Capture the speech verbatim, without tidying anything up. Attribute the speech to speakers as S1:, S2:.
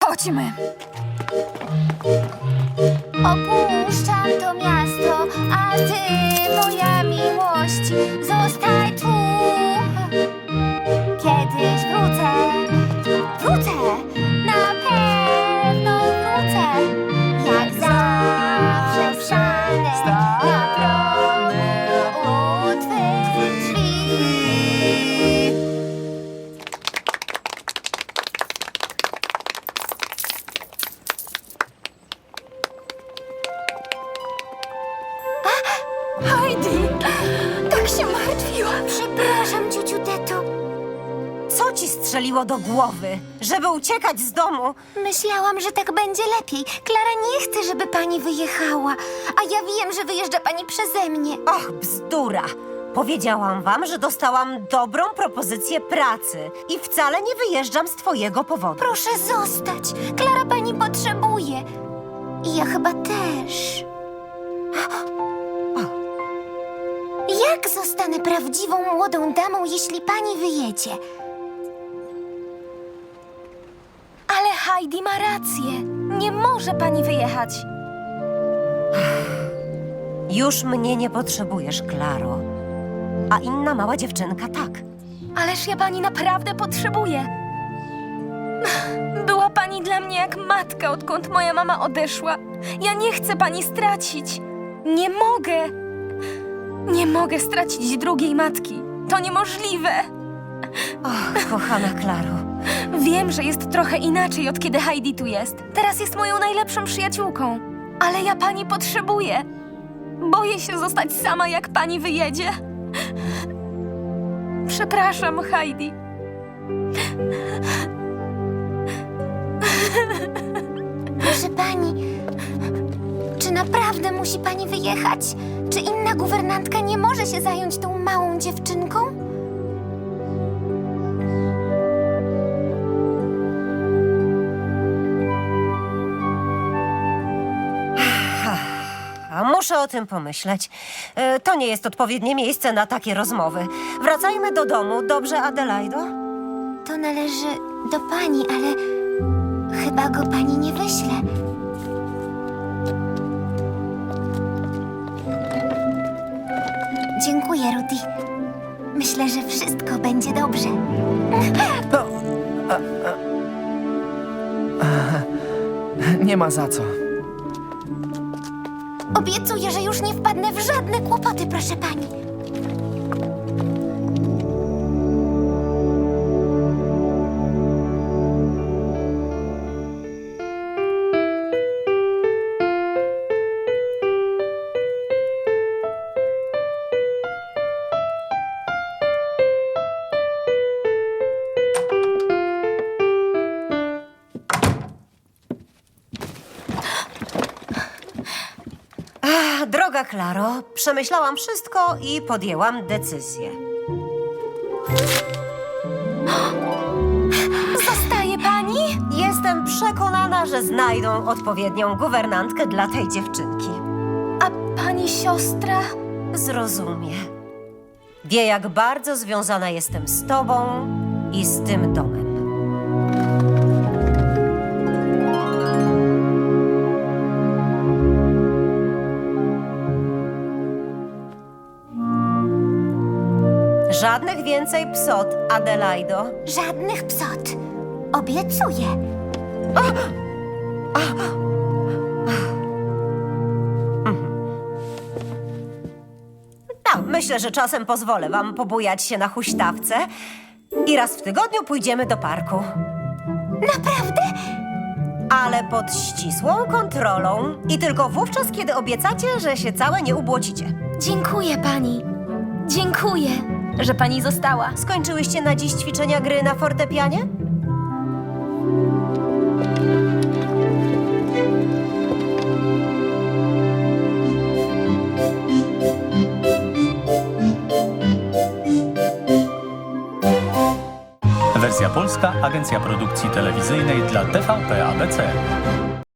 S1: Chodźmy.
S2: Opuszczam to miasto, a ty, moja miłość, zostaj tu. Kiedyś wrócę, wrócę, na pewno wrócę. Jak zawsze wsiądę na progu u twych drzwi.
S1: Heidi, tak się martwiłam.
S2: Przepraszam, ciociu Teto.
S3: Co ci strzeliło do głowy? Żeby uciekać z domu?
S2: Myślałam, że tak będzie lepiej. Klara nie chce, żeby pani wyjechała. A ja wiem, że wyjeżdża pani przeze mnie.
S3: Och, bzdura! Powiedziałam wam, że dostałam dobrą propozycję pracy i wcale nie wyjeżdżam z twojego powodu.
S2: Proszę zostać. Klara pani potrzebuje. I ja chyba też. Jak zostanę prawdziwą młodą damą, jeśli pani wyjedzie?
S1: Ale Heidi ma rację. Nie może pani wyjechać.
S3: Już mnie nie potrzebujesz, Klaro. A inna mała dziewczynka tak.
S1: Ależ ja pani naprawdę potrzebuję. Była pani dla mnie jak matka, odkąd moja mama odeszła. Ja nie chcę pani stracić. Nie mogę. Nie mogę stracić drugiej matki. To niemożliwe.
S3: Och, kochana Klaro.
S1: Wiem, że jest trochę inaczej, od kiedy Heidi tu jest. Teraz jest moją najlepszą przyjaciółką. Ale ja pani potrzebuję. Boję się zostać sama, jak pani wyjedzie. Przepraszam, Heidi.
S2: Proszę pani, czy naprawdę musi pani wyjechać? Czy inna guwernantka nie może się zająć tą małą dziewczynką?
S3: A muszę o tym pomyśleć. E, To nie jest odpowiednie miejsce na takie rozmowy. Wracajmy do domu, dobrze, Adelaido?
S2: To należy do pani, ale chyba go pani nie wyśle. Dziękuję, Rudy. Myślę, że wszystko będzie dobrze.
S4: Nie ma za co.
S2: Obiecuję, że już nie wpadnę w żadne kłopoty, proszę pani.
S3: Ach, droga Klaro, przemyślałam wszystko i podjęłam decyzję.
S1: Zostaje pani?
S3: Jestem przekonana, że znajdą odpowiednią guwernantkę dla tej dziewczynki.
S1: A pani siostra?
S3: Zrozumie. Wie, jak bardzo związana jestem z tobą i z tym domem. Żadnych więcej psot, Adelaido.
S2: Żadnych psot. Obiecuję.
S3: No, myślę, że czasem pozwolę wam pobujać się na huśtawce i raz w tygodniu pójdziemy do parku.
S2: Naprawdę?
S3: Ale pod ścisłą kontrolą i tylko wówczas, kiedy obiecacie, że się całe nie ubłocicie.
S1: Dziękuję pani. Dziękuję, że pani została.
S3: Skończyłyście na dziś ćwiczenia gry na fortepianie?
S5: Wersja polska, Agencja Produkcji Telewizyjnej dla T V P A B C.